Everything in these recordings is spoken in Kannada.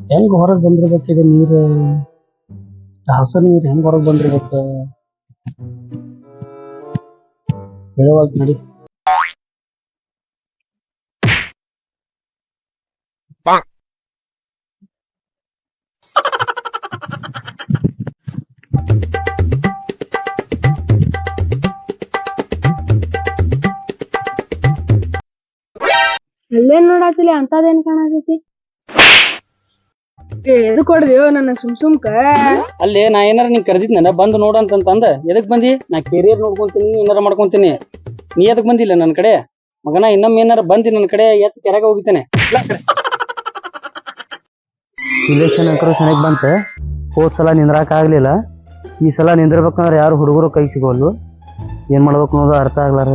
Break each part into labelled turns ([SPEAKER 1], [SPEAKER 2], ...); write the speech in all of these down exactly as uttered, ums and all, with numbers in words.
[SPEAKER 1] ಹೆಂಗ್ ಹೊರಗೆ ಬಂದಿರ್ಬೇಕಿದೆ ನೀರು ಹಸ ನೀರು ಹೆಂಗ್ ಹೊರಗೆ ಬಂದಿರ್ಬೇಕ ಹೇಳುವಲ್ತ್ ನಡಿ.
[SPEAKER 2] ಅಲ್ಲೇನ್ ನೋಡಾತಿಲಿ ಅಂತದೇನ್ ಕಾಣತೈತಿ? ಎದು ಕೊಡ್ದೇವ್ ನನ್ನ ಸುಮ್ ಸುಮ್ಕ
[SPEAKER 1] ಅಲ್ಲಿ ನಾ ಏನಾರ ನೀನ್ ಕರೆದಿದ್ನ ಬಂದು ನೋಡಂತಂದ ಎದಕ್ ಬಂದಿ? ನಾ ಕೆರಿಯರ್ ನೋಡ್ಕೊಂತೀನಿ ಏನಾರ ಮಾಡ್ಕೊಂತೀನಿ. ನೀ ಎದಕ್ ಬಂದಿಲ್ಲ ನನ್ನ ಕಡೆ ಮಗನ? ಇನ್ನೊಮ್ಮೆ ಏನಾರ ಬಂದಿ ನನ್ನ ಕಡೆ ಎತ್ ಕೆರೆಗೆ ಹೋಗಿದ್ದೇನೆ. ಇಲೆಕ್ಷನ್ ಅಂಕರು ಚೆನ್ನಾಗಿ ಬಂತ. ಹೋದ್ ಸಲ ನಿಂದ್ರಾಕ ಆಗ್ಲಿಲ್ಲ. ಈ ಸಲ ನಿಂದಿರ್ಬೇಕಂದ್ರೆ ಯಾರು ಹುಡುಗರು ಕೈ ಸಿಗೋಲ್ಲು. ಏನ್ ಮಾಡ್ಬೇಕು ಅನ್ನೋದು ಅರ್ಥ ಆಗ್ಲಾರ.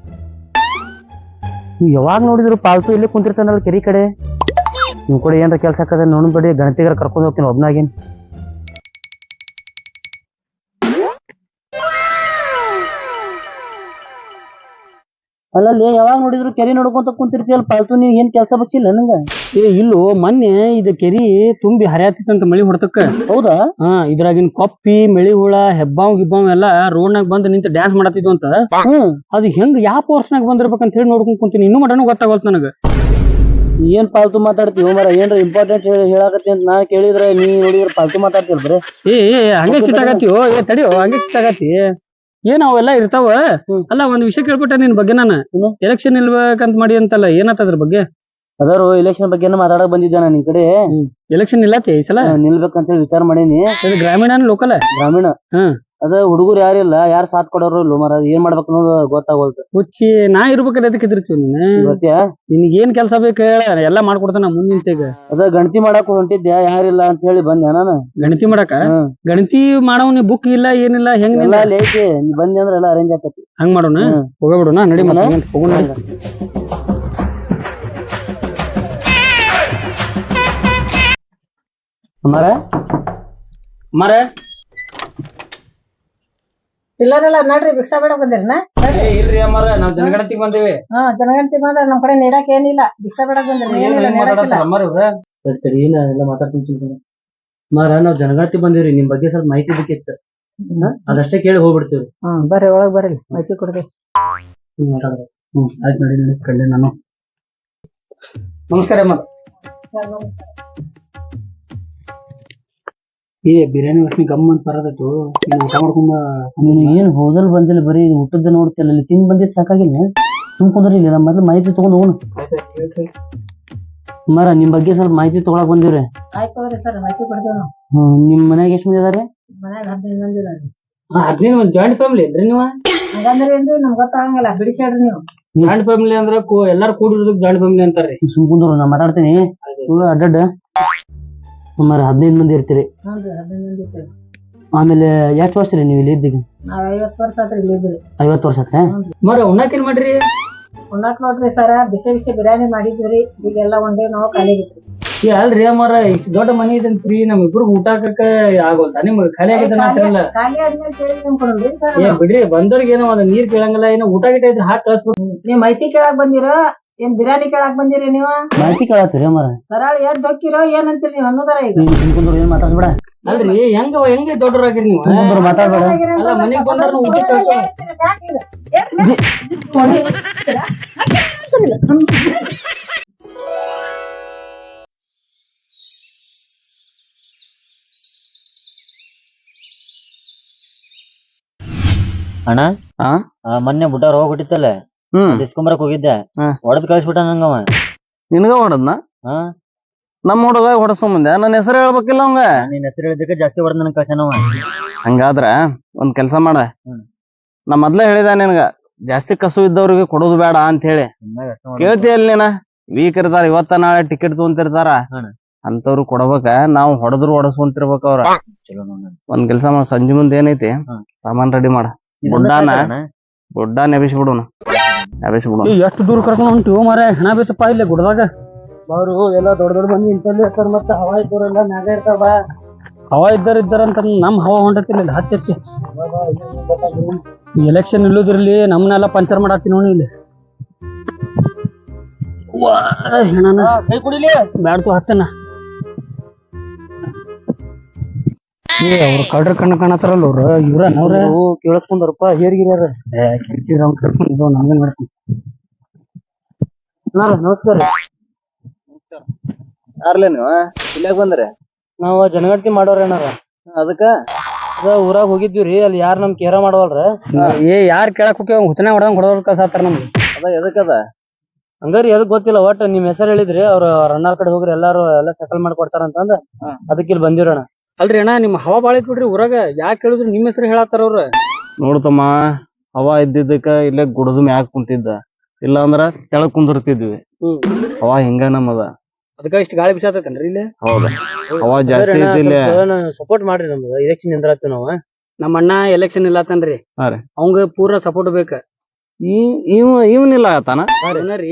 [SPEAKER 1] ನೀವು ಯಾವಾಗ ನೋಡಿದ್ರು ಪಾಲ್ತು ಇಲ್ಲೇ ಕುಂತಿರ್ತಾನಲ್ಲ ಕೆರಿ ಕಡೆ. ನಿಮ್ ಕೂಡ ಏನಾರ ಕೆಲ್ಸ ಹಾಕದ ನೋಡ್ಬೇಡಿ, ಗಣತಿಗಾರ ಕರ್ಕೊಂಡು ಹೋಗ್ತೀನಿ ಒಬ್ನಾಗೇನ್. ಅಲ್ಲಲ್ಲಿ ಯಾವಾಗ ನೋಡಿದ್ರು ಕೆರಿ ನೋಡ್ಕೊಂತ ಕುಂತಿರ್ತೀಯಲ್ಲ ಪಾಲ್ತು, ನೀವ್ ಏನ್ ಕೆಲ್ಸ ಬಚ್ಚಿಲ್ಲ ನಂಗ? ಏ ಇಲ್ಲೋ, ಮೊನ್ನೆ ಇದು ಕೆರಿ ತುಂಬಿ ಹರಿಯಾತಿತ್ತಂತ ಮಳಿ ಹೊಡ್ತಕ್ಕ. ಹೌದಾ? ಹಾ, ಇದ್ರಾಗಿನ್ ಕೊಪ್ಪಿ ಮಳಿ ಹುಳ ಹೆಬ್ಬಾವ್ ಗಿಬ್ಬಾವ್ ಎಲ್ಲಾ ರೋಡ್ನಾಗ ಬಂದ್ ನಿಂತ ಡ್ಯಾನ್ಸ್ ಮಾಡತ್ತಿದ್ವು ಅಂತ. ಹ್ಮ್ ಅದು ಹೆಂಗ್ ಯಾವ ಪೋರ್ಸ್ನಾಗ ಬಂದಿರ್ಬೇಕಂತ ಹೇಳಿ ನೋಡ್ಕೊಂಡ್ ಕುಂತೀನಿ. ಇನ್ನೂ ಮಟನೂ ಗೊತ್ತಾಗೋಲ್ತ ನನಗ. ಏನ್ ಪಾಲ್ತು ಮಾತಾಡ್ತೀವಿ ಮರ? ಏನ್ರ ಇಂಪಾರ್ಟೆಂಟ್ ಹೇಳಾಕತ್ತಿ ಅಂತ ನಾ ಕೇಳಿದ್ರೆ ನೀ ನೋಡಿದ್ರೆ ಪಾಲ್ತು ಮಾತಾಡ್ತೀವಿ ಬರೀ. ಏ ಹಂಗೆ ಸಿಟ್ಟಾಗತ್ತೀವೋ? ಏ ತಡಿಯೋ, ಹಂಗೆ ಸಿಟ್ಟಾಗತ್ತಿ ಏನ್ ಅವೆಲ್ಲ ಇರ್ತಾವ. ಅಲ್ಲ ಒಂದ್ ವಿಷಯ ಕೇಳ್ಬಿಟ್ಟೆ ನಿನ್ ಬಗ್ಗೆ ನಾನು. ಎಲೆಕ್ಷನ್ ನಿಲ್ಬೇಕಂತ ಮಾಡಿ ಅಂತಲ್ಲ, ಏನತ್ತ ಅದ್ರ ಬಗ್ಗೆ? ಅದಾರು ಎಲೆಕ್ಷನ್ ಬಗ್ಗೆ ಮಾತಾಡಕ್ ಬಂದಿದ್ದೆ ನಾನು ಈ ಕಡೆ. ಎಲೆಕ್ಷನ್ ನಿಲ್ಲತ್ತೆ ಈ ಸಲ? ನಿಲ್ಬೇಕಂತ ಹೇಳಿ ವಿಚಾರ ಮಾಡೀನಿ. ಗ್ರಾಮೀಣ ಲೋಕಲ್? ಗ್ರಾಮೀಣ. ಹ್ಮ್ ಅದ ಹುಡುಗರು ಯಾರಿಲ್ಲ, ಯಾರು ಸಾಥ್ ಕೊಡೋರು ಇಲ್ಲ ಮರ. ಏನ್ ಮಾಡ್ಬೇಕು ಅನ್ನೋದು ಗೊತ್ತಾಗೋಲ್ತು. ಹುಚ್ಚಿ ನಾ ಇರ್ಬೇಕಾದ್ರೆ ಅದಕ್ಕೆ ಇದ್ರಿರ್ತೀವಿ ನೀನು. ನಿನ್ಗೆ ಏನ್ ಕೆಲ್ಸ ಬೇಕು ಹೇಳ, ಎಲ್ಲಾ ಮಾಡ್ಕೊಡ್ತಾನ ಮುಂದಿಂತೆಗ. ಅದ ಗಣತಿ ಮಾಡಕ್ ಹೊಂಟಿದ್ದೆ, ಯಾರಿಲ್ಲ ಅಂತ ಹೇಳಿ ಬಂದೆ ನಾನು. ಗಣತಿ ಮಾಡಕ? ಗಣತಿ ಮಾಡವ್ ಬುಕ್ ಇಲ್ಲ ಏನಿಲ್ಲ, ಹೆಂಗ್ ಎಲ್ಲ ಅಲ್ಲಿ ಐತಿ. ನೀ ಬಂದಿ ಅಂದ್ರೆ ಎಲ್ಲ ಅರೇಂಜ್ ಆಗ್ತತಿ. ಹಂಗ್ ಮಾಡೋಣ, ಹೋಗಬಿಡೋಣ ನಡಿ. ಹೋಗೋಣ ಮರ ಮರ
[SPEAKER 3] ಇಲ್ಲಾರೆಲ್ಲ ನಡ್ರಿ ಭಿಕ್ಷಾ ಬೇಡಕ್ ಬಂದಿರನ?
[SPEAKER 1] ಇಲ್ರಿ ಅಮ್ಮಾರ, ನಾವ್ ಜನಗಣತಿಗೆ ಬಂದೇವಿ.
[SPEAKER 3] ಹಾ, ಜನಗಣತಿ ಬಂದ್ರ ನಮ್ ಕಡೆ ನೀಡಕ್ ಏನಿಲ್ಲ. ಭಿಕ್ಷಾ ಬೇಡಕ್ ಬಂದಿರಿ.
[SPEAKER 1] ಏನೆಲ್ಲ ಮಾತಾಡ್ತೀನಿ ಮಾರ. ನಾವ್ ಜನಗಣತಿ ಬಂದಿವ್ರಿ, ನಿಮ್ ಬಗ್ಗೆ ಸ್ವಲ್ಪ ಮಾಹಿತಿ ಬೇಕಿತ್ತು. ಅದಷ್ಟೇ ಕೇಳಿ ಹೋಗ್ಬಿಡ್ತೀವ್ರಿ.
[SPEAKER 3] ಹ್ಮ್ ಬರ್ರಿ, ಒಳಗ್ ಬರ್ರಿ, ಮಾಹಿತಿ ಕೊಡ್ರಿ.
[SPEAKER 1] ಹ್ಮ್ ಆಯ್ತು ನೋಡಿ ನೋಡಿ ಕಳ್ಳೆ ನಾನು. ನಮಸ್ಕಾರ ಅಮ್ಮ. ಏ ಬಿರಿಯಾನಿ ವಾಸನೆ ಗಮ್ ಅಂತ ಬರದತ್ತು. ಊಟ ಮಾಡ್ಕೊಂಡ ನೀನು ಏನ್ ಹೋದಲ್ ಬಂದಿಲ್ಲ, ಬರೀ ಊಟದ ನೋಡ್ತಿಲ್ಲ. ಇಲ್ಲಿ ತಿಂದ್ ಬಂದಿದ್ ಸಾಕಾಗಿಲ್ಲ. ತುಂಬ್ಕೊಂಡ್ರಿ ಇಲ್ಲಿ ನಮ್ಮ ಮೊದ್ಲು ಮಾಹಿತಿ ತಗೊಂಡ್ ಹೋಗೋಣ. ಮರ ನಿಮ್ ಬಗ್ಗೆ ಸ್ವಲ್ಪ ಮಾಹಿತಿ ತಗೊಳಕ್ ಬಂದಿವ್ರಿ.
[SPEAKER 3] ಆಯ್ತು ಸರ್, ಮಾಹಿತಿ ಕೊಡ್ತೇವೆ ನಾವು.
[SPEAKER 1] ಹ್ಮ್ ನಿಮ್ ಮನ್ಯಾಗ ಎಷ್ಟು ಮಂದಿ ಅದಾರೆ?
[SPEAKER 3] ಮನ್ಯಾಗ ಹದಿನೈದು ಮಂದಿ ಇದಾರೆ.
[SPEAKER 1] ಹದಿನೈದು ಮಂದಿ ಜಾಯಿಂಟ್ ಫ್ಯಾಮಿಲಿ ಇದ್ರಿ ನೀವು?
[SPEAKER 3] ಹಂಗಂದ್ರೆ ಏನ್ರಿ ನಮ್ಗೆ ಗೊತ್ತಾಗಂಗಿಲ್ಲ, ಬಿಡಿಸ್ಯಾಡ್ರಿ ನೀವು.
[SPEAKER 1] ಜಾಯಿಂಟ್ ಫ್ಯಾಮಿಲಿ ಅಂದ್ರೆ ಎಲ್ಲಾರು ಕೂಡಿರೋದಕ್ಕೆ ಜಾಯಿಂಟ್ ಫ್ಯಾಮಿಲಿ ಅಂತಾರ್ರಿ. ಸುಮ್ಕುಂದ್ರು ನಾ ಮಾತಾಡ್ತೀನಿ ಅಡ್ಡಡ್ಡ. ಸುಮಾರು ಹದಿನೈದು ಮಂದಿ ಇರ್ತೀರಿ. ಆಮೇಲೆ ಎಷ್ಟು ವರ್ಷ ರೀ ನೀವು ಇಲ್ಲಿ ಇದ್ದೀಗ?
[SPEAKER 3] ನಾವ್ ಐವತ್ತು ವರ್ಷ ಆತ್ರಿ ಇಲ್ಲಿ ಇದ್ರಿ.
[SPEAKER 1] ಐವತ್ತು ವರ್ಷ ಆತ್ರ ಮರ. ಉಣ್ಣಾಕ್ ಏನ್ ಮಾಡ್ರಿ?
[SPEAKER 3] ಉಣ್ಣಾಕ್ ನೋಡ್ರಿ ಸರ, ಬಿಸಿ ಬಿಸಿ ಬಿರಿಯಾನಿ ಮಾಡಿದ್ವಿ. ಈಗೆಲ್ಲ ಒಂದೇ ನಾವು ಖಾಲಿ ಆಗಿದ್ರಿ.
[SPEAKER 1] ಏ ಅಲ್ರಿ ಅಮ್ಮಾರ, ಇಷ್ಟು ದೊಡ್ಡ ಮನಿ ಇದೆ ಫ್ರೀ, ನಮ್ ಇಬ್ರಿಗೆ ಊಟ ಹಾಕಕ್ಕ ಆಗೋಲ್ತಾ? ನಿಮ್ಗೆ ಖಾಲಿ ಆಗಿದ್ದಾನ ಅಂತಲ್ಲ?
[SPEAKER 3] ಖಾಲಿ ಆದ್ಮೇಲೆ ಕೇಳಿ ನಿಮ್ಕೊಂಡ್ರಿ ಸರ್.
[SPEAKER 1] ಏ ಬಿಡ್ರಿ, ಬಂದವ್ರಿಗೆ ಏನೋ ಒಂದ್ ನೀರ್ ಕೇಳಂಗಿಲ್ಲ, ಏನೋ ಊಟ ಗಿಟ ಇದ್ರೆ ಹಾಕಿ ಕಳ್ಸ್ಬಿಟ್ಟು.
[SPEAKER 3] ನೀವ್ ಮಾಹಿತಿ ಕೇಳಾಕ್ ಬಂದಿರೋ ಏನ್ ಬಿರಿಯಾನಿ ಕೇಳಾಕ್ ಬಂದಿರಿ ನೀವು?
[SPEAKER 1] ಮಾಹಿತಿ ಕೇಳತ್ತೀರಿ ಅಮ್ಮಾರ?
[SPEAKER 3] ಸರಳ ಎದ್ ಹೊಕ್ಕಿರೋ ಏನಂತೀರಿ ನೀವು ಅನ್ನೋದಾರ ಈಗ.
[SPEAKER 1] ಏನ್ ಮಾತಾಡ್ಬೇಡ. ಅಲ್ರಿ ಹೆಂಗ ಹೆಂಗ ದೊಡ್ಡರಾಗಿರಿ ನೀವು? ಮಾತಾಡ್ಬೇಡ. ಅಲ್ಲ ಮನೆಗ್ ಬಂದ್ರು ಊಟ
[SPEAKER 4] ಅಣ್ಣ. ಮೊನ್ನೆ ಬುಟ್ಟಾರ ಹೋಗ್ಬಿಟ್ಟಿತ್ತಲ್ಲ, ಇಸ್ಕೊಂಬರಕ್ ಹೋಗಿದ್ದೆ. ಹೊಡೆದ್ ಕಳಿಸ್ಬಿಟ್ಟ ನಂಗವ.
[SPEAKER 1] ನಿನ್ಗ ಹೊಡದ್ನ? ನಮ್ ಹುಡುಗ ಹೊಡಸ್ಕೊಂಬಂದೆ. ನನ್ನ ಹೆಸರು ಹೇಳ್ಬೇಕಿಲ್ಲ ಅವಂಗ?
[SPEAKER 4] ನಿನ್ ಹೆಸರು ಹೇಳಿದಕ್ಕೆ ಜಾಸ್ತಿ ಹೊಡೆದ್ ನನ್ ಕಳ್ಸನವ.
[SPEAKER 1] ಹಂಗಾದ್ರ ಒಂದ್ ಕೆಲ್ಸ ಮಾಡ, ನಾ ಮೊದ್ಲೇ ಹೇಳಿದ ನಿನ್ಗ ಜಾಸ್ತಿ ಕಸು ಇದ್ದವ್ರಿಗೆ ಕೊಡೋದು ಬೇಡ ಅಂತ ಹೇಳಿ. ಕೇಳ್ತೀಯಲ್ಲ ನೀನ? ವೀಕ್ ಇರ್ತಾರ, ಇವತ್ತ ನಾಳೆ ಟಿಕೆಟ್ ತಗೊಂತಿರ್ತಾರ, ಅಂತವ್ರು ಕೊಡ್ಬೇಕ. ನಾವ್ ಹೊಡೆದ್ರು ಹೊಡಸ್ಕೊಂತಿರ್ಬೇಕ ಅವ್ರ. ಒಂದ್ ಕೆಲ್ಸ ಮಾಡ, ಸಂಜೆ ಮುಂದೆ ಏನೈತಿ ಸಾಮಾನ್ ರೆಡಿ ಮಾಡ. ಬುಡ್ಡಾನ ಬುಡ್ಡ ನೆಬಿಸ್ಬಿಡೋಣ. ನೆಬಿಸ್ಬಿಡೋಣ. ಎಷ್ಟು ದೂರ ಕರ್ಕೊಂಡ್ ಹೊಂಟಿವ್ ಮಾರ? ಹೆಣ ಬೇತಪ್ಪ ಇಲ್ಲೇ ಗುಡ್ದಾಗ. ಅವರು ಎಲ್ಲ ದೊಡ್ಡ ದೊಡ್ಡ ಮಂದಿ ಇಂತಲ್ಲಿ ಇರ್ತಾರ, ಮತ್ತೆ ಹವಾ ಇದ್ದವ್ರೆಲ್ಲ ಮ್ಯಾಗ ಇರ್ತಾವ. ಹವಾ ಇದ್ದಾರ ಇದ್ದಾರಂತ ನಮ್ ಹವಾ ಹೊಂಟತಿಲ್ಲ ಹತ್ತಿ ಹತ್ತಿ. ಎಲೆಕ್ಷನ್ ಇಲ್ಲೋದ್ರಲ್ಲಿ ನಮ್ನೆಲ್ಲ ಪಂಚರ್ ಮಾಡತ್ತಿ ನೋಡಿ ಇಲ್ಲಿ. ಹೆಣನ ಕೈ ಕುಡಿಲಿ ಬ್ಯಾಡ್ತು ಹತ್ತನ. ಏ ಅವ್ರು ಕಳ್ರ ಕಣ್ಣ ಕಾಣತಾರಲ್ಲ ಅವ್ರ ಇವ್ರ ಅವ್ರ ಕೇಳಸ್ಕೊಂಡಾರಪ್ಪ ಹೇರ್ಗಿರ್ಯಾರ ಕರ್ಕೊಂಡು ನಮ್ಗೆ ಮಾಡ್ತೀನಿ ನಮಸ್ಕಾರ
[SPEAKER 4] ಯಾರ್ಲೇ ನೀವು ಇಲ್ಲಾಗ ಬಂದ್ರೆ
[SPEAKER 1] ನಾವ್ ಜನಗಣತಿ ಮಾಡೋರ್ ಏನಾರ
[SPEAKER 4] ಅದಕ್ಕ
[SPEAKER 1] ಅದ ಊರಾಗ ಹೋಗಿದ್ವಿ ಅಲ್ಲಿ ಯಾರು ನಮ್ ಕೇರ ಮಾಡವಲ್ರ ಏ ಯಾರ್ ಕೇಳಕ್ ಹೋಗಿ ಹುತನೆ ಹೊಡೆದಂಗ್ ಹೊಡೆದ್ ಕಳ್ಸಾತಾರ ನಮ್ಗೆ
[SPEAKER 4] ಅದ ಎದಕ್ಕದ
[SPEAKER 1] ಹಂಗಾರಿ ಎದಕ್ ಗೊತ್ತಿಲ್ಲ ಒಟ್ಟ ನಿಮ್ ಹೆಸರು ಹೇಳಿದ್ರಿ ಅವ್ರ ರನ್ನಾರ್ ಕಡೆ ಹೋಗ್ರಿ ಎಲ್ಲಾರು ಎಲ್ಲ ಸೆಟಲ್ ಮಾಡ್ಕೊಡ್ತಾರ ಅಂತಂದ ಅದಕ್ಕೆ ಇಲ್ಲಿ ಬಂದಿರೋಣ ಅಲ್ರಿ ಅಣ್ಣ ನಿಮ್ ಹವಾ ಬಾಳ ಐತ್ ಬಿಡ್ರಿ ಊರಾಗ ಯಾಕೆ ಹೇಳಿದ್ರು ನಿಮ್ ಹೆಸರು ಹೇಳತ್ತಾರ ಅವ್ರ
[SPEAKER 5] ನೋಡ್ತಮ್ಮ ಹವಾ ಇದ್ದಿದ್ದಕ್ಕ ಇಲ್ಲೇ ಗುಡದ ಮ್ಯಾಗ ಕುಂತಿದ್ದ ಇಲ್ಲ ಅಂದ್ರ ಕೆಳಗ್ ಕುಂದಿರ್ತಿದ್ವಿ ಹವಾ ಹಿಂಗ ನಮ್ಮದ
[SPEAKER 1] ಅದಕ್ಕ ಇಷ್ಟ ಗಾಳಿ ಬಿಸಾತೇನ್ರಿ ಇಲ್ಲಿ
[SPEAKER 5] ಹೌದ ಹವಾ ಜಾಸ್ತಿ ಐತಿಲ್ಲ
[SPEAKER 1] ಸಪೋರ್ಟ್ ಮಾಡ್ರಿ ನಮ್ದು ಎಲೆಕ್ಷನ್ ನಿಂದ್ರಾತೀವಿ ನಾವ್ ನಮ್ಮ ಅಣ್ಣ ಎಲೆಕ್ಷನ್ ಇಲ್ಲತ್ತನ್ರಿ
[SPEAKER 5] ಹಾ ರೀ
[SPEAKER 1] ಅವಂಗ ಪೂರಾ ಸಪೋರ್ಟ್ ಬೇಕ
[SPEAKER 5] ಈ ಇವ ಇವನಿಲ್ಲ ಆತಾನ
[SPEAKER 1] ರೀ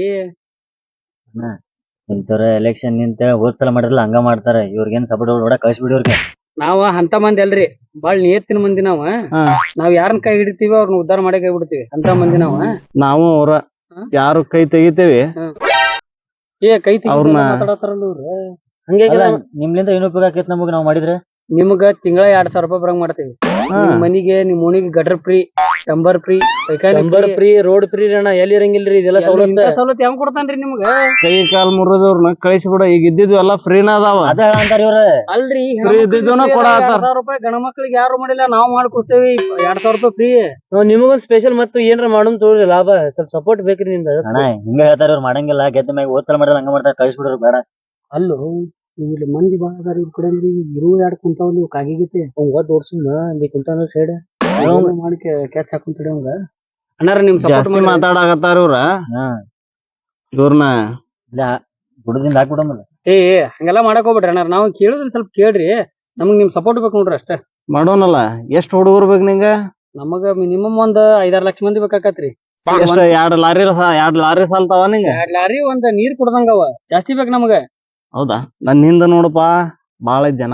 [SPEAKER 4] ಇಂಥವ್ರ ಎಲೆಕ್ಷನ್ ನಿಂತ ಹೋದ್ಸಲ ಮಾಡಿರಲ್ಲ ಹಂಗ ಮಾಡ್ತಾರ ಇವ್ರಿಗೇನ್ ಸಪೋರ್ಟ್ ಹೊಡ ಕಳ್ಸಿಬಿಡಿ ಅವ್ರಿಗೆ
[SPEAKER 1] ನಾವ ಅಂತ ಮಂದಿ ಅಲ್ರಿ ಬಾಳ್ ನಿಯತ್ತಿನ ಮಂದಿ ನಾವ ನಾವ್ ಯಾರನ್ನ ಕೈ ಹಿಡಿತೀವಿ ಅವ್ರನ್ನ ಉದ್ಧಾರ ಮಾಡೇ ಕೈ ಬಿಡ್ತೀವಿ ಅಂತ ಮಂದಿ ನಾವ
[SPEAKER 5] ನಾವು ಅವ್ರ ಯಾರು ಕೈ ತೆಗಿತೇವಿ
[SPEAKER 1] ಏ ಕೈ
[SPEAKER 5] ಅವ್ರನ್ನ
[SPEAKER 1] ಮಾತಾಡತಾರಲ್ಲ ಇವ್ರು ಹಂಗೆ
[SPEAKER 4] ನಿಮ್ಲಿಂದ ಏನು ಉಪಯೋಗ ಆಕೈತಿ ನಮಗ್ ನಾವ್ ಮಾಡಿದ್ರೆ
[SPEAKER 1] ನಿಮ್ಗ ತಿಂಗಳ ಎರಡ್ ಸಾವಿರ ರೂಪಾಯಿ ಬರಂಗ್ ಮಾಡ್ತೀವಿ ನಿಮ್ ಮನಿಗೆ ನಿಮ್ ಓಣಿಗೆ ಗಟರ್ ಫ್ರೀ ಟಂಬರ್ ಫ್ರೀ ಟಂಬರ್ ಫ್ರೀ ರೋಡ್ ಫ್ರೀ ಅಣ್ಣ ಎಲ್ಲಿ ಇರಂಗಿಲ್ರಿ ಇದೆಲ್ಲ ಸವಲತ್ತು ಸವಲತ್ತು ಹೆಂಗ್ ಕೊಡ್ತಾನ್ರಿ ನಿಮ್ಗ
[SPEAKER 5] ಕೈ ಕಾಲ್ ಮುರಿದವ್ರನ್ನ ಕಳಿಸಿಬಿಡ ಈಗ ಇದ್ದಿದ್ವು ಎಲ್ಲಾ ಫ್ರೀನ ಅದಾವ
[SPEAKER 4] ಅದ ಅಂತಾರ ಇವ್ರ
[SPEAKER 1] ಅಲ್ರಿ
[SPEAKER 5] ಫ್ರೀ ಇದ್ದಿದ್ದೂನ ಕೊಡಾತಾರ
[SPEAKER 1] ಸಾವಿರ ರೂಪಾಯಿ ಗಣ ಮಕ್ಳಿಗೆ ಯಾರು ಮಾಡಿಲ್ಲ ನಾವ್ ಮಾಡ್ಕೊಡ್ತೇವಿ ಎರಡ್ ಸಾವಿರ ರೂಪಾಯಿ ಫ್ರೀ ನಿಮಗೊಂದ್ ಸ್ಪೆಷಲ್ ಮತ್ತು ಏನ್ರ ಮಾಡೋನ್ ತೋರಿ ಲಾಭ ಸ್ವಲ್ಪ ಸಪೋರ್ಟ್ ಬೇಕ್ರಿ ನಿಮ್ದ
[SPEAKER 4] ಅಣ್ಣ ಹಿಂಗ ಹೇಳ್ತಾರ ಇವ್ರು ಮಾಡಂಗಿಲ್ಲ ಗೆದ್ದ ಮ್ಯಾಗ ಹೋದ್ಸಲ ಮಾಡಿರಲ್ಲ ಹಂಗ ಮಾಡ್ತಾರ ಕಳ್ಸಿಬಿಡ್ರಿ ಬೇಡ
[SPEAKER 1] ಅಲ್ಲೋ ಇಲ್ಲಿ ಮಂದಿ ಬಾಳ ಅದಾರ ಇವ್ ಕಡೆ ಇರುವ ಎರಡು ಕುಂತಾವ್ ನೀವು ಕಾಗಿಗೈತಿ ಅವ್ನ ಒದ್ ಓಡ್ಸುಮ್ಮ ಅಲ್ಲಿ ಕುಂತಾನ ಸೈಡ್ ಮಾಡಿ ಕ್ಯಾಚ್ ಹಾಕೊಂತಡಿ ಅವಂಗ ಅಣ್ಣಾರ ನಿಮ್
[SPEAKER 5] ಜಾಸ್ತಿ ಮಾತಾಡಕತ್ತಾರ ಇವ್ರ ಇವ್ರನ್ನ
[SPEAKER 4] ಇಲ್ಲ ಗುಡದಿಂದ ಹಾಕ್ಬಿಡಮಲ್ಲ
[SPEAKER 1] ಏ ಹಂಗೆಲ್ಲಾ ಮಾಡಕ್ ಹೋಗ್ಬಿಡ್ರಿ ಅಣ್ಣಾರ ನಾವ್ ಕೇಳುದ್ರ ಸ್ವಲ್ಪ ಕೇಳ್ರಿ ನಮಗ್ ನಿಮ್ ಸಪೋರ್ಟ್ ಬೇಕು ನೋಡ್ರಿ ಅಷ್ಟೇ
[SPEAKER 5] ಮಾಡೋನಲ್ಲ ಎಷ್ಟ್ ಹುಡುಗರು ಬೇಕು ನಿಂಗ
[SPEAKER 1] ನಮಗ ಮಿನಿಮಮ್ ಒಂದ್ ಐದಾರು ಲಕ್ಷ ಮಂದಿ ಬೇಕಾಕತ್ರಿ
[SPEAKER 5] ಎಷ್ಟ ಎರಡ್ ಲಾರಿ ಎರಡ್ ಲಾರಿ ಸಾಲ್ತಾವ ನಿಂಗ
[SPEAKER 1] ಎರಡ್ ಲಾರಿ ಒಂದ್ ನೀರ್ ಕುಡ್ದಂಗ ಅವ ಜಾಸ್ತಿ ಬೇಕು ನಮಗ
[SPEAKER 5] ಹೌದಾ ನನ್ ಹಿಂದ ನೋಡಪ್ಪ ಬಾಳ ಜನ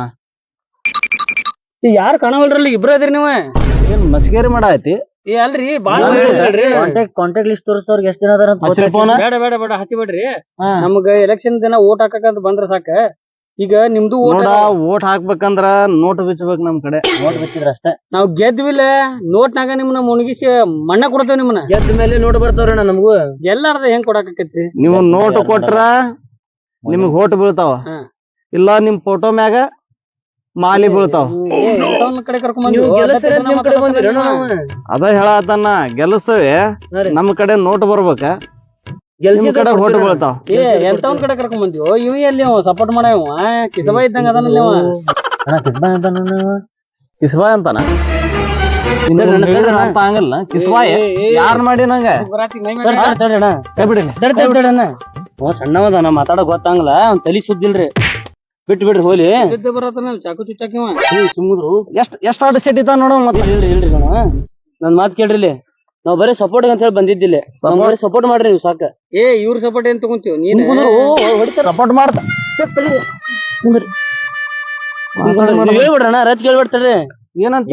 [SPEAKER 1] ಯಾರು ಕಾಣವಲ್ರಲ್ಲಿ ಇಬ್ರ ಅದ್ರಿ ನೀವ
[SPEAKER 5] ಏನ್ ಮಸ್ಕೇರಿ ಮಾಡಾಯ್ತಿ
[SPEAKER 1] ಏ ಅಲ್ರಿ ಬಾಳ
[SPEAKER 4] ಕಾಂಟ್ಯಾಕ್ಟ್ ಕಾಂಟ್ಯಾಕ್ಟ್ ಲಿಸ್ಟ್ ತೋರಿಸೋರ್ಗೆ ಎಷ್ಟ್ ಜನ ಅದಾರ ಅಂತ ಗೊತ್ತೈತಿ?
[SPEAKER 1] ಬೇಡ ಬೇಡ ಬೇಡ ಹಚ್ಚಿ ಬಿಡ್ರಿ ನಮಗ ಎಲೆಕ್ಷನ್ ದಿನ ಓಟ್ ಹಾಕಂತ ಬಂದ್ರ ಸಾಕ ಈಗ ನಿಮ್ದು
[SPEAKER 5] ನೋಡ ಓಟ್ ಹಾಕ್ಬೇಕಂದ್ರ ನೋಟ್ ಬಿಚ್ಚಬೇಕ್ ನಮ್ ಕಡೆ
[SPEAKER 4] ನೋಟ್ ಬಿಚ್ಚಿದ್ರ ಅಷ್ಟೇ
[SPEAKER 1] ನಾವ್ ಗೆದ್ವಿಲ್ಲ ನೋಟ್ನಾಗ ನಿಮ್ನ ಮುಣಗಿಸಿ ಮಣ್ಣ ಕೊಡ್ತೇವ್ ನಿಮ್ನ ಗೆದ್ದ ಮೇಲೆ ನೋಟ್ ಬರ್ತಾವ್ರಣ್ಣ ನಮಗೂ ಎಲ್ಲಾರ್ದ ಹೆಂಗ್ ಕೊಡಾಕೈತ್ರಿ
[SPEAKER 5] ನೀವು ನೋಟ್ ಕೊಟ್ರ ನಿಮ್ಗ್ ಓಟ್ ಬೀಳ್ತಾವ ಇಲ್ಲ ನಿಮ್ ಫೋಟೋ ಮ್ಯಾಗ ಮಾಲಿ ಬೀಳ್ತಾವ
[SPEAKER 1] ಕಡೆ ಕರ್ಕೊಂಡ್
[SPEAKER 5] ಅದ ಹೇಳತನ ಗೆಲ್ಲಿಸ್ತೇವೆ ನಮ್ ಕಡೆ ನೋಟ್ ಬರ್ಬೇಕ ನಿಮ್ ಕಡೆ ಓಟ್ ಬೀಳ್ತಾವ
[SPEAKER 1] ಎಂತವನ್ ಕಡೆ ಕರ್ಕೊಂಡ್ ಬಂದಿವ್ ಇವ್ ಎಲ್ಲಿ ಸಪೋರ್ಟ್ ಮಾಡ ಕಿಸಬಾ ಇದ್ದಂಗ ಅದನ್ನ
[SPEAKER 5] ಕಿಸ್ಬಾಯ್ ಅಂತಾನ ಹಂಗಲ್ಲ ಕಿಸ್ಬಾಯ್ ಯಾರ್ ಮಾಡಿ ನಂಗ ಕೈ ಬಿಡಿ
[SPEAKER 1] ಸಣ್ಣವದ ನಾ ಮಾತಾಡಕ್ ಗೊತ್ತಾಗಲ್ಲ ಅವ್ನ್ ತಲಿ ಸುದ್ದಿಲ್ರಿ ಬಿಟ್ಟು ಬಿಡ್ರಿ ಹೋಲಿ ಬರತ್ತ ಚಾಕು ಚುಚ್ಚಾಕಿ ಸುಮ್ಮದ್ರು
[SPEAKER 5] ಎಷ್ಟ್ ಎಷ್ಟ್ ಆಟ ಸೆಟ್ ಇತ್ತ ನೋಡ ಮತ್ತೆ
[SPEAKER 1] ಹೇಳ್ರಿ ಹೇಳ್ರಿ ಕಣ ನನ್ ಮಾತ್ ಕೇಳ್ರಿ ನಾವ್ ಬರೀ ಸಪೋರ್ಟ್ ಅಂತ ಹೇಳಿ ಬಂದಿದ್ದಿಲ್ಲ ಬರೀ ಸಪೋರ್ಟ್ ಮಾಡ್ರಿ ನೀವು ಸಾಕ ಏ ಇವ್ರ ಸಪೋರ್ಟ್ ಏನ್ ತಗೊಂತೀವ್ ನೀನ್
[SPEAKER 5] ಸಪೋರ್ಟ್ ಮಾಡ್ತ
[SPEAKER 1] ಹೇಳ್ಬಿಡ್ರಣ ರಚ್ ಕೇಳ್ಬಿಡ್ತಾರ್ರಿ
[SPEAKER 5] ಏನಂತ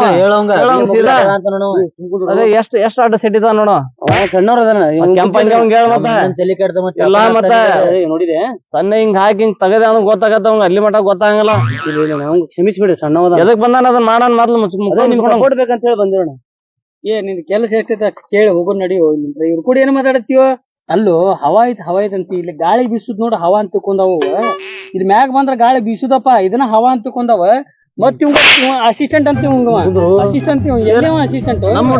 [SPEAKER 4] ಹೇಳೋಂಗ
[SPEAKER 5] ಎಷ್ಟ್ ಎಷ್ಟ್ ಆಟ ಸೆಟ್ ಇದ ನೋಡು
[SPEAKER 1] ಸಣ್ಣವ್ರ
[SPEAKER 5] ಕೆಂಪ
[SPEAKER 4] ತಲೆ ಕೆಡ್ದ
[SPEAKER 5] ಎಲ್ಲಾ ಮತ್ತೆ
[SPEAKER 1] ನೋಡಿದೆ
[SPEAKER 5] ಸಣ್ಣ ಹಿಂಗ್ ಹಾಕಿ ಹಿಂಗ್ ತಗದ ಅವ್ನ ಗೊತ್ತಾಗತ್ತ ಅವಂಗ ಅಲ್ಲಿ ಮಟ ಗೊತ್ತಾಗಲ್ಲ
[SPEAKER 1] ಕ್ಷಮಿಸ್ಬಿಡ್ರಿ ಸಣ್ಣವದ
[SPEAKER 5] ಎದಕ್ ಬಂದಾನ ಅದನ್ನ ಮಾಡನ್ ಮೊದ್ಲು
[SPEAKER 1] ನಿಮ್ ಸಪೋರ್ಟ್ ಬೇಕಂತ ಹೇಳಿ ಬಂದಿರೋಣ ಏ ನಿನ್ ಕೆಲಸ ಎಷ್ಟೈತೆ ಕೇಳಿ ಹೋಗೋದ್ ನಡಿಯೋ ಇವ್ರು ಕೂಡ ಏನ್ ಮಾತಾಡತ್ತೀವೋ ಅಲ್ಲೋ ಹವಾ ಐತ್ ಹವಾ ಐತ್ ಅಂತ ಇಲ್ಲಿ ಗಾಳಿ ಬೀಸುದ್ ನೋಡ ಹವಾ ಅಂತ ತಿಳ್ಕೊಂಡಾವ ಇಲ್ಲಿ ಮ್ಯಾಗ ಬಂದ್ರ ಗಾಳಿ ಬೀಸುದಪ್ಪ ಇದನ್ನ ಹವಾ ಅಂತ ತಿಳ್ಕೊಂಡಾವ ಮತ್ ಇವ್ ಅಸಿಸ್ಟೆಂಟ್ ಅಂತ ಅಸಿಸ್ಟೆಂಟ್ ಎಲ್ಲ ಅಸಿಸ್ಟೆಂಟ್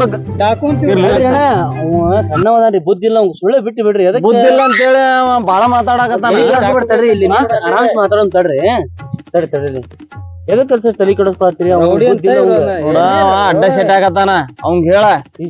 [SPEAKER 1] ಸಣ್ಣವದ್ರಿ ಬುದ್ಧಿ ಇಲ್ಲ ಅವ್ನು ಸುಳ್ಳೆ ಬಿಟ್ಟು ಬಿಡ್ರಿ ಅದಕ್ಕೆ
[SPEAKER 5] ಬುದ್ಧಿ ಇಲ್ಲ ಅಂತ ಹೇಳಿ ಬಾಳ ಮಾತಾಡಕತ್ತಾನ
[SPEAKER 1] ಇಲ್ಲಿ ಆರಾಮ್ ಮಾತಾಡೋನ್ ತಡ್ರಿ ತಡಿ ತಡಿ ಎದಕ್ ಕೆಲ್ಸ ತಲೆ ಕೆಡಿಸ್ಕೊಳತ್ತೀರಿ
[SPEAKER 5] ಅಡ್ಡ ಸೆಟ್ ಆಗತ್ತಾನ ಅವಂಗ ಹೇಳ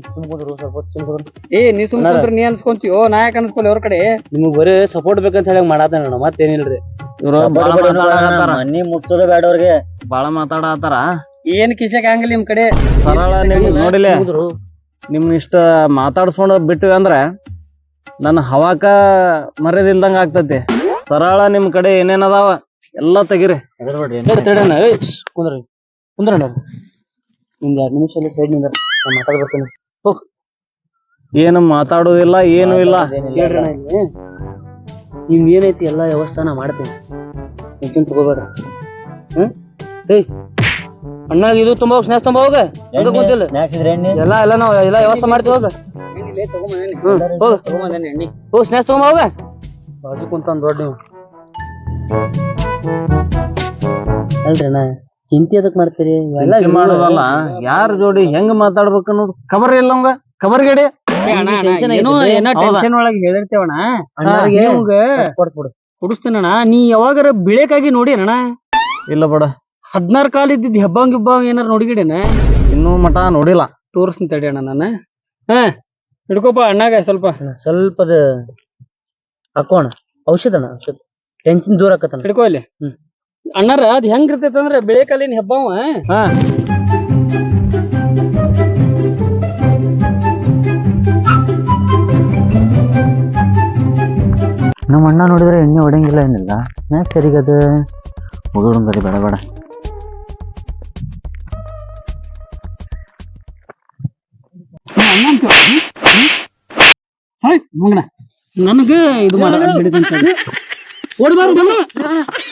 [SPEAKER 1] ಏ ನೀ ಸುಮ್ಕೊಂಡ್ರಿ ನೀ ಅನ್ಸ್ಕೊಂತೀವೋ ನಾಯಕ ಅನ್ಸ್ಕೊಲಿ ಅವ್ರ ಕಡೆ ನಿಮಗ್ ಬರೀ ಸಪೋರ್ಟ್ ಬೇಕಂತ ಹೇಳಕ್ ಮಾಡಾತಾನ ಮತ್ತೇನಿಲ್ರಿ
[SPEAKER 5] ಇವ್ರು
[SPEAKER 4] ಮನಿ ಮುಟ್ಟೋದ ಬೇಡ ಅವ್ರಿಗೆ
[SPEAKER 5] ಬಾಳ ಮಾತಾಡತಾರ
[SPEAKER 1] ಏನ್ ಕಿಸಕ್ ಆಗಂಗಿಲ್ಲ ನಿಮ್ ಕಡೆ
[SPEAKER 5] ಸರಳ ನಿಮ್ ನೋಡಿಲೆ ನಿಮ್ನ ಇಷ್ಟ ಮಾತಾಡ್ಸ್ಕೊಂಡ್ ಬಿಟ್ಟಿವಿ ಅಂದ್ರ ನನ್ನ ಹವಾಕ ಮರ್ಯಾದಿಲ್ದಂಗ ಆಗ್ತತಿ ಸರಳ ನಿಮ್ ಕಡೆ ಏನೇನ್ ಅದಾವ ಎಲ್ಲಾ ತೆಗಿರಿ
[SPEAKER 1] ಕುಂದ್ರಿ ಕುಂದ್ರಣ್ಣ ನಿಮ್ಗೆ ಎರಡ್ ನಿಮಿಷ ಸೈಡ್ ನಿಂದ ಮಾತಾಡ್ ಬರ್ತೇನೆ ಹೋಗ್
[SPEAKER 5] ಏನು ಮಾತಾಡೋದಿಲ್ಲ ಏನು ಇಲ್ಲ
[SPEAKER 1] ಕೇಳ್ರಿ ನಿಮ್ ಏನೈತಿ ಎಲ್ಲಾ ವ್ಯವಸ್ಥಾನ ಮಾಡ್ತೇನೆ ಟೆನ್ಷನ್ ತಗೋಬೇಡ್ರಿ ಹ್ಮ್ ಅಣ್ಣ ಇದು ತುಂಬ ಹೋಗ್ ಸ್ನ್ಯಾಕ್ಸ್ ತುಂಬ ಹೋಗ ಹಂಗ ಕುಂತಿಲ್ಲ
[SPEAKER 4] ಸ್ನ್ಯಾಕ್ಸ್ ಇದ್ರೆ ಎಣ್ಣೆ
[SPEAKER 1] ಎಲ್ಲ ಎಲ್ಲ ನಾವು ಎಲ್ಲ ವ್ಯವಸ್ಥೆ ಮಾಡ್ತೀವಿ ಹೋಗ ಹ್ಮ್ ಹೋಗ ಹೋಗ್ ಸ್ನ್ಯಾಕ್ಸ್ ತಗೊಂಬ ಹೋಗ ಬಾಜು ಕುಂತ ದೊಡ್ಡ ನೀವು ಅಲ್ರಿ ಅಣ್ಣ ಚಿಂತೆ ಅದಕ್ ಮಾಡ್ತೀರಿ ಎಲ್ಲ
[SPEAKER 5] ಚಿಂತೆ ಮಾಡೋದಲ್ಲ ಯಾರ ಜೋಡಿ ಹೆಂಗ್ ಮಾತಾಡ್ಬೇಕು ಅನ್ನೋದು ಖಬರ್ ಇಲ್ಲ ಅವಂಗ ಖಬರ್ ಗಡಿ
[SPEAKER 1] ಏನೋ ಏನೋ ಟೆನ್ಷನ್ ಒಳಗೆ ಹೇಳಿರ್ತೇವಣ್ಣ ಕುಡಿಸ್ತೀನಣ್ಣ ನೀ ಯಾವಾಗಾರ ಬಿಳೇಕಾಗಿ ನೋಡಿ ಅಣ್ಣ
[SPEAKER 5] ಇಲ್ಲ ಬಿಡ
[SPEAKER 1] ಹದಿನಾರು ಕಾಲ ಇದ್ದಿದ್ ಹೆಬ್ಬಾಂಗ್ ಗಿಬ್ಬಾಂಗ್ ಏನಾರ ನೋಡಿಗಿಡೇನ
[SPEAKER 5] ಇನ್ನೂ ಮಠ ನೋಡಿಲ್ಲ
[SPEAKER 1] ತೋರಿಸ್ತೀನಿ ತಡಿ ಅಣ್ಣ ನಾನು ಹಾ ಹಿಡ್ಕೋಪ ಅಣ್ಣಾಗ ಸ್ವಲ್ಪ ಸ್ವಲ್ಪದ ಹಾಕೋಣ ಔಷಧ ಅಣ್ಣ ಔಷಧ ಟೆನ್ಷನ್ ದೂರ ಆಕತ್ತ ಹಿಡ್ಕೋ ಇಲ್ಲಿ ಹ್ಮ್ ಅಣ್ಣಾರ ಅದ್ ಹೆಂಗ್ ಇರ್ತೈತೆ ಅಂದ್ರೆ ಬೆಳೆ ಕಾಲಿನ ಹೆಬ್ಬಾವ
[SPEAKER 5] ಹಾ
[SPEAKER 4] ನಮ್ಮ ಅಣ್ಣ ನೋಡಿದ್ರೆ ಎಣ್ಣೆ ಹೊಡೆಯಂಗಿಲ್ಲ ಏನಿಲ್ಲ ಸ್ನ್ಯಾಕ್ಸ್ ಸರಿಗದ ಹೋಗೋಣ ಬರೀ ಬೇಡ ಬೇಡ
[SPEAKER 1] ನನಗ ಇದು ಮಾಡ ಓಡ್ಬಾರ್ದು